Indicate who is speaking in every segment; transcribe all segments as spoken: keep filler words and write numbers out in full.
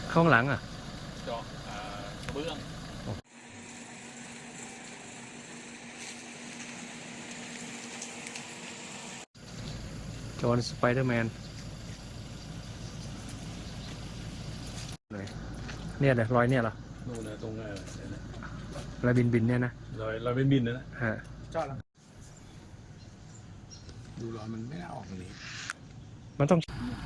Speaker 1: ข้างหลังอ่ะ
Speaker 2: เจาะกระเบื้อง
Speaker 1: จอห์นสไปเดอร์แมนเนี่ยเลยรอยเนี่ยเหรอ
Speaker 2: นู่นนะตรงไหน
Speaker 1: รอยบินบินเนี่ยนะ
Speaker 2: รอยรอยเป็นบินนะนะ
Speaker 1: ฮะ
Speaker 2: จอดแล้วดูรอยมันไม่น่าออกตรงนี้
Speaker 1: มันต้อง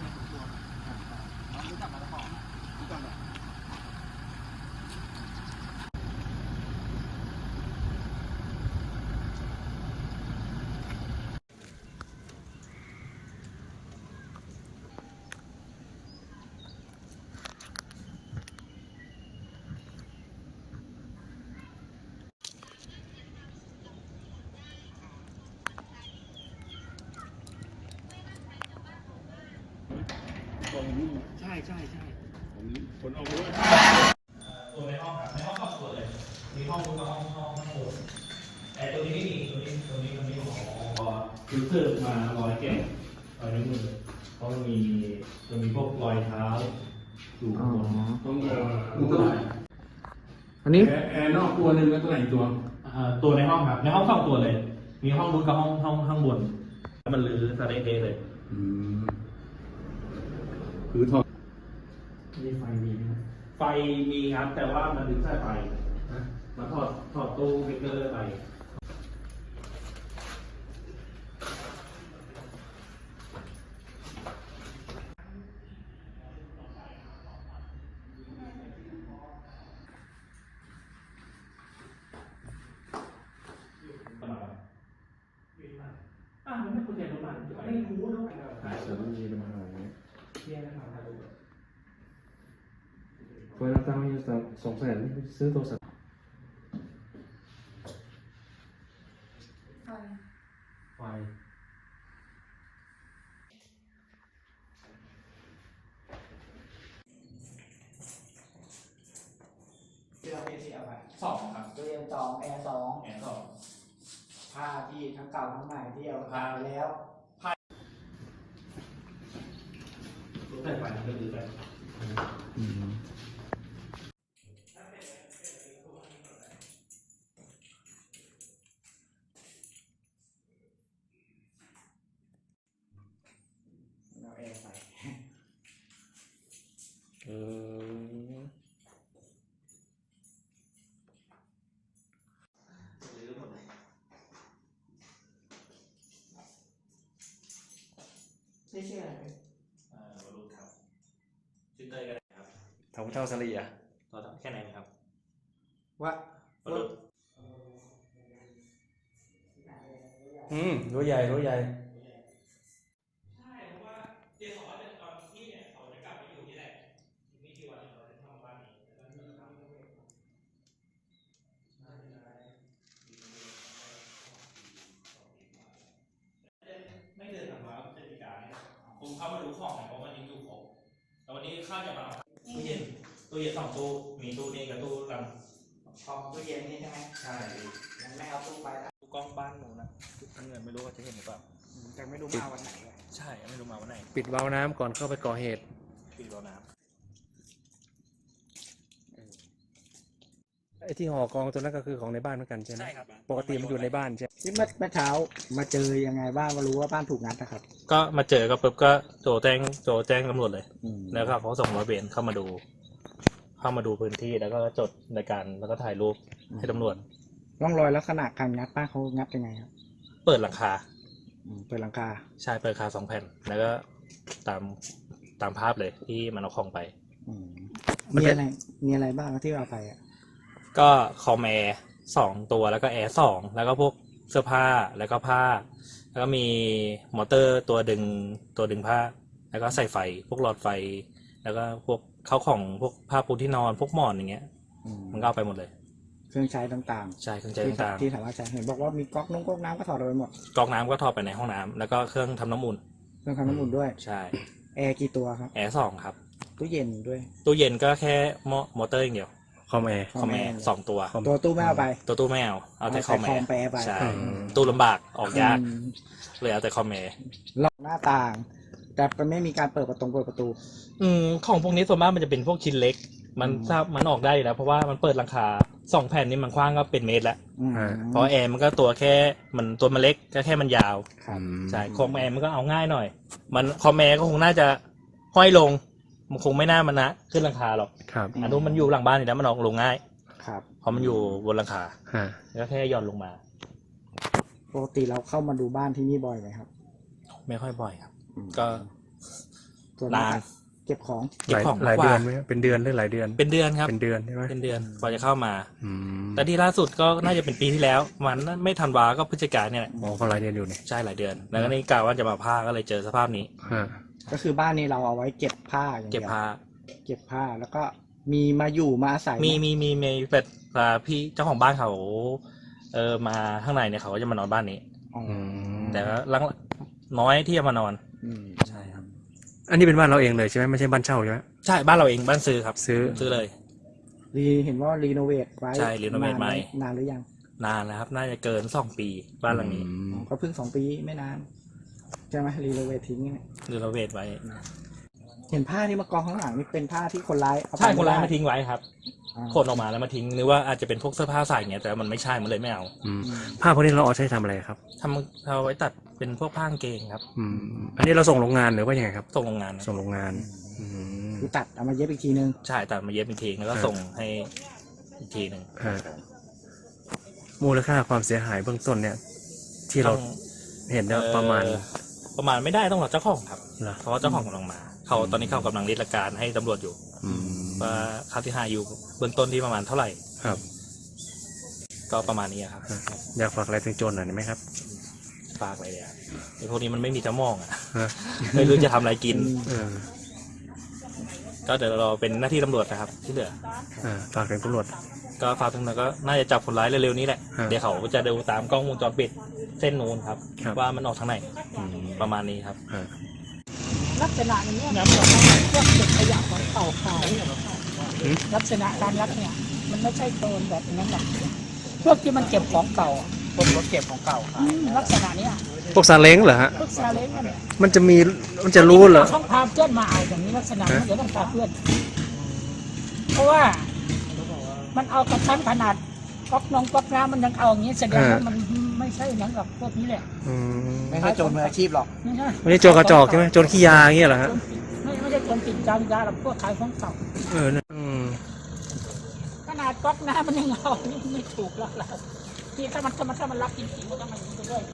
Speaker 2: ใช่ใช่ใช่ผมผลออกมาด้วย
Speaker 3: ตัวในห้องครับในห้องครอบครัวเลยมีห้องนู้นกับห้องห้องห้องโถงแต่ตัวนี้ไม่มีตัวนี้ตัวนี้มันไม่ของคือเสื้อมาร้อยแก้วรอยนิ้วมือเพราะมันมีมันมีพวกรอยเท้าอยู่บน
Speaker 2: ต้องเอ่อตัวไหน
Speaker 1: อันนี้
Speaker 2: แอร์นอกตัวหนึ่งแล้วตัวไหนตัว
Speaker 3: ตัวในห้องครับในห้องสองตัวเลย มีห้องนู้นกับห้องห้องข้างบนมันลื้อสะเละเลย
Speaker 2: อืมคือถอด
Speaker 3: มีไฟมีไหมไฟมีครับแต่ว่ามันดึงสายไฟมาถอดถอดตู้เบรกเกอร์ไปอ่ามันไม่ควรจะประมาณไม่รู้แล้ว
Speaker 1: หายเสือมันมีปัญหาอย่างเงี้ย
Speaker 3: เที่ยงนะครับ
Speaker 1: เวลาตั้งอยู่สองแสนซื้อโทรศัพท์ไฟ
Speaker 4: เสื้อเป็นสีอะไร
Speaker 3: สองครับ
Speaker 4: ตัวเรียนสองแอร์สอง
Speaker 3: แอนสอง
Speaker 4: ผ้าที่ทั้งเก่าทั้งใหม่ที่เอาผ้าไปแล้ว
Speaker 3: รู้แต่ไฟมันก็ดีไป
Speaker 4: เราแอร์ใส่
Speaker 1: เออ
Speaker 4: ชื่อชื่ออะไรเป็น
Speaker 3: เอ่อวรุษครับชื่อเต้ยก็ได้ครับ
Speaker 1: เท่าเท่าสลีอ่ะ
Speaker 3: ตัวแค่ไหนครับ
Speaker 4: ว่าว
Speaker 3: รุษ
Speaker 1: อืมรู้ใหญ่รู้ใหญ่
Speaker 3: ใช่เพราะว่าเจสอนเนี่ยตอนที่เนี่ยเขาจะกลับมาอยู่ที่แหละมีกี่วันเขาจะทำบ้านนี้แล้วก็จะทำไม่เดินทางมาพฤศจิกาเนี่ยผมเข้ามาดูของเนี่ยเพราะวันนี้อยู่ครบแต่วันนี้ข้าจะมาตู้เย็นตู้เย็นสองตู้มีตู้นี้กับตู้กัน
Speaker 4: ของตู้เย็นนี่ใช่ไหม
Speaker 3: ใช่
Speaker 4: ยังไม่เอาตู้ไปละ
Speaker 3: ตู้กล้องบ้านหนูนะทั้งเงินไม่รู้ว่าจะเห็นหรือเปล่า
Speaker 4: แต่ไม่รู้มาวันไหน
Speaker 3: ใช่ไม่รู้มาวันไหน
Speaker 1: ปิดวาล์วน้ำก่อนเข้าไปก่อเหตุ
Speaker 3: ปิดวาล์วน้ำ
Speaker 1: ไอ้ที่ห่อกองตัวนั้นก็คือของในบ้านเหมือนกันใช่ไหม
Speaker 3: ใช่ครับ
Speaker 1: ปกติมันอยู่ในบ้านใช่
Speaker 4: ที่เมื่อเมื่อเช้ามาเจอยังไงบ้างมารู้ว่าบ้านถูกงัดนะครับ
Speaker 3: ก็มาเจอก็ปุ๊บก็โจแจ้งโจแจ้งตำรวจเลยแล้วก็เขาส่งร้อยเวรเข้ามาดูเข้ามาดูพื้นที่แล้วก็จดในการแล้วก็ถ่ายรูปให้ตำรวจ
Speaker 4: ร่องรอยลักษณะการงัดบ้านเขางัดยังไงครับ
Speaker 3: เปิดหลังคา
Speaker 4: เปิดหลังคา
Speaker 3: ใช่เปิดหลังคาสองแผ่นแล้วก็ตามตามภาพเลยที่มันเอาของไป
Speaker 4: มีอะไรมีอะไรบ้างที่เอาไปอ่ะ
Speaker 3: ก็คอมแอร์สองตัวแล้วก็แอร์สองแล้วก็พวกเสื้อผ้าแล้วก็ผ้าแล้วก็มีมอเตอร์ตัวดึงตัวดึงผ้าแล้วก็ใส่ไฟพวกหลอดไฟแล้วก็พวกเข้าของพวกผ้าปูที่นอนพวกหมอนอย่างเงี้ยมันก็เอาไปหมดเลย
Speaker 4: เครื่องใช้ต่าง
Speaker 3: ๆใช่เครื่องใช้ต่าง
Speaker 4: ๆที่สามารถใช้เห็นบอกว่ามีก๊อกนุ่งก๊อกน้ำก็ถอดไปหมด
Speaker 3: ก๊อกน้ำก็ถอดไปในห้องน้ำแล้วก็เครื่องทำน้ำอุ่น
Speaker 4: เครื่องทำน้ำอุ่นด้วย
Speaker 3: ใช่
Speaker 4: แอร์กี่ตัวครับ
Speaker 3: แอร์สองครับ
Speaker 4: ตู้เย็นด้วย
Speaker 3: ตู้เย็นก็แค่มอเตอร์อย่างเดียว
Speaker 1: คอมแอร์
Speaker 3: คอมแอร์สองตัว
Speaker 4: ตัวตู้ไม่เอาไป
Speaker 3: ตัวตู้ไม่เอาเอาแต่คอมแอร์ใช่
Speaker 4: ตู้
Speaker 3: ตู้ลำบากออกยากเลยเอาแต่คอมแอร์
Speaker 4: ล็อกหน้าต่างแต่ก็ไม่มีการเปิดประตูเปิดประตู
Speaker 3: อืมของพวกนี้ส่วนมากมันจะเป็นพวกชิ้นเล็ก มัน
Speaker 4: อืม
Speaker 3: ทราบมันออกได้อยู่แล้วเพราะว่ามันเปิดหลังคาสองแผ่นนี่มันกว้างก็เป็นเมตรแล้ว
Speaker 4: อืม
Speaker 3: เพราะแอร์มันก็ตัวแค่มันตัวมันเล็กก็แค่มันยาว
Speaker 4: ครับ
Speaker 3: ใช่คอมแอร์มันก็เอาง่ายหน่อย มันคอมแอร์ก็คงน่าจะห้อยลงมันคงไม่น่ามันนะขึ้นหลังคาหรอก
Speaker 1: ครับ
Speaker 3: อันนู้นมันอยู่หลังบ้านอยู่แล้วมันออกลงง่าย
Speaker 4: ครับ
Speaker 3: เพราะมันอยู่บนหลังคา
Speaker 1: ฮะ
Speaker 3: แล้วแค่หย่อนลงมา
Speaker 4: ปกติเราเข้ามาดูบ้านที่นี่บ่อยไหมครับ
Speaker 3: ไม่ค่อยบ่อยครับ
Speaker 4: อืม
Speaker 3: ก็
Speaker 4: ส่วน
Speaker 3: นาม
Speaker 4: าน กเก็บของ
Speaker 3: เก็บของ
Speaker 1: หลาย
Speaker 3: ก
Speaker 1: เดื
Speaker 3: ว่า
Speaker 1: อนไหมเป็นเดือนหรือหลายเดือน
Speaker 3: เป็นเดือนครับ
Speaker 1: เป็นเดือนใช่ไหม
Speaker 3: เป็นเดือนกว่าจะเข้ามา
Speaker 1: อืม
Speaker 3: แต่ที่ล่าสุดก็น่าจะเป็นปีที่แล้วมันไม่ทันวาก็พฤศจิกายนเนี่ยแหละ
Speaker 1: อ๋อก็หลายเดือนอยู่เนี่ย
Speaker 3: ใช่หลายเดือน แล้วก็นี่กะว่าจะมาผ้าก็เลยเจอสภาพนี้
Speaker 1: ฮะ
Speaker 4: ก็คือบ้านนี้เราเอาไว้เก็บผ้าอย่าง
Speaker 3: เก็
Speaker 4: เดี
Speaker 3: บ
Speaker 4: ยว
Speaker 3: ผ้า
Speaker 4: เก็บผ้าแล้วก็มีมาอยู่มาอาศัยไห
Speaker 3: มีมีมีมีเป็ดอ่าพี่เจ้าของบ้านเขาเออมาข้างในเนี่ยเขาก็จะมานอนบ้านนี้
Speaker 4: อ๋อ
Speaker 1: อืม
Speaker 3: แต่ก็ลังน้อยที่จะมานอน
Speaker 4: อืม
Speaker 3: ใช่ครับ
Speaker 1: อันนี้เป็นบ้านเราเองเลยใช่ไหมไม่ใช่บ้านเช่าใช่ไหม
Speaker 3: ใช่บ้านเราเองบ้านซื้อครับ
Speaker 1: ซื้อ
Speaker 3: ซื้อเลย
Speaker 4: รีเห็นว่ารีโนเวทไว้
Speaker 3: ใช่รีโนเวท
Speaker 4: นาน
Speaker 3: ใหม่
Speaker 4: นานหรือยัง
Speaker 3: นานแล้วครับ น่าจะเกินสองปีบ้านหลังนี้
Speaker 1: อืม
Speaker 4: อ๋อก็เพิ่งสองปีไม่นานใช่ไหมรีโนเวททิ้งเนี่ย
Speaker 3: รีโนเวทไว้
Speaker 4: เห็นผ้าที่มากองข้างหลังนี่เป็นผ้าที่คนร้ายเอาไป
Speaker 3: ใช่คนร้าย
Speaker 4: ไได้
Speaker 3: มาทิ้งไว้ครับ
Speaker 4: อ่า
Speaker 3: ขนออกมาแล้วมาทิ้งหรือว่าอาจจะเป็นพวกเสื้อผ้าใส่เงี้ยแต่มันไม่ใช่มันเลยไม่เอา
Speaker 1: อืมผ้าพวกนี้เราเอาใช้ทำอะไรครับ
Speaker 3: ทำเอาไว้ตัดเป็นพวกผ้ากางเกงครับ
Speaker 1: อืมอันนี้เราส่งโรงงานหรือว่ายังไงครับ
Speaker 3: ส่งโรงงานนะ
Speaker 1: ส่งโรงงานอืม
Speaker 4: คือตัดเอามาเย็บอีกทีนึง
Speaker 3: ใช่ตัดมาเย็บอีกทีแล้วก็
Speaker 1: ครับ
Speaker 3: ส่งให้อีกทีหนึ่ง
Speaker 1: ฮะมูลค่าความเสียหายเบื้องต้นเนี่ย ที่เรา
Speaker 3: ต้อง
Speaker 1: เห็นเนี่ยประมาณ
Speaker 3: เอ่อประมาณไม่ได้ต้องรอเจ้าของครับ
Speaker 1: เหรอ
Speaker 3: เพราะว่าเจ้าของกำลังมา เขาตอนนี้เขากำลังริดการให้ตำรวจอยู่
Speaker 1: อืม
Speaker 3: ว่าค่าที่หายอยู่เบื้องต้นที่ประมาณเท่าไหร่
Speaker 1: ครับ
Speaker 3: ก็ประมาณนี้ครับ
Speaker 1: อยากฝากอะไรถึงโจรหน่อยได้ไหมครับ
Speaker 3: ฝากอะไรเนี่ยไอ้พวกนี้มันไม่มีจะมองอ่ะ
Speaker 1: ฮะ
Speaker 3: ไม่รู้จะทำอะไรกิน
Speaker 1: เออ
Speaker 3: ก็เดี๋ยวเราเป็นหน้าที่ตำรวจนะครับ ที่เหลือ
Speaker 1: อ่าฝากถึงตำรวจ
Speaker 3: ก็ฝากตำรวจก็น่าจะจับคนร้ายเร็วๆนี้แหละ
Speaker 1: ฮะ
Speaker 3: เดี๋ยวเขาจะดูตามกล้องวงจรปิดเส้นนู้นครับ
Speaker 1: ครับ
Speaker 3: ว่ามันออกทางไหน
Speaker 1: อืม
Speaker 3: ประมาณนี้ครับ
Speaker 1: ฮะ
Speaker 5: ลักษณะอย่างนี้ยพวกเก็บขยะของเก่าขายลักษณะการลักเนี่ย มันไม่ใช่โจรแบบนั้นหรอกพวกที่มันเก็บของเก่าอะ
Speaker 4: พวกรถเก็บของเก่า
Speaker 5: อืมลักษณะเนี้ย
Speaker 1: พวกซาเล้งเหรอฮะ
Speaker 5: พวกซาเล้งเนี่ย
Speaker 1: มันจะมีมันจะรู้เหรอ
Speaker 5: ต้องพาเพื่อนมาเอาอย่างนี้ลักษณะมันจะต้องพาเพื่อน เพราะว่า มันเอากระชั้นขนาดก๊อกนองก๊อกน้ำมันยังเอาอย่างนี้แสดงว่ามันไม่ใช่หนังกับพวกนี้แหละ
Speaker 1: อืม
Speaker 4: ไม่ใช่โจรมืออาชีพหรอก
Speaker 5: ไม่ใช่
Speaker 1: ไม่ใช่โจรกระจอกใช่ไหมโจรขี้ยาอย่างเงี้ยเหรอฮะ
Speaker 5: ไม่ไม่ใช่โจรติดยายาหรอกพวกขายของเก่า
Speaker 1: เออนะอืม
Speaker 5: ขนาดก๊อกน้ำมันยังเอานี่ไม่ถูกแล้วเราที่ถ้ามันถ้ามันถ้ามันรักจริงๆมันต้องมันอย่างนี้ไปด้วย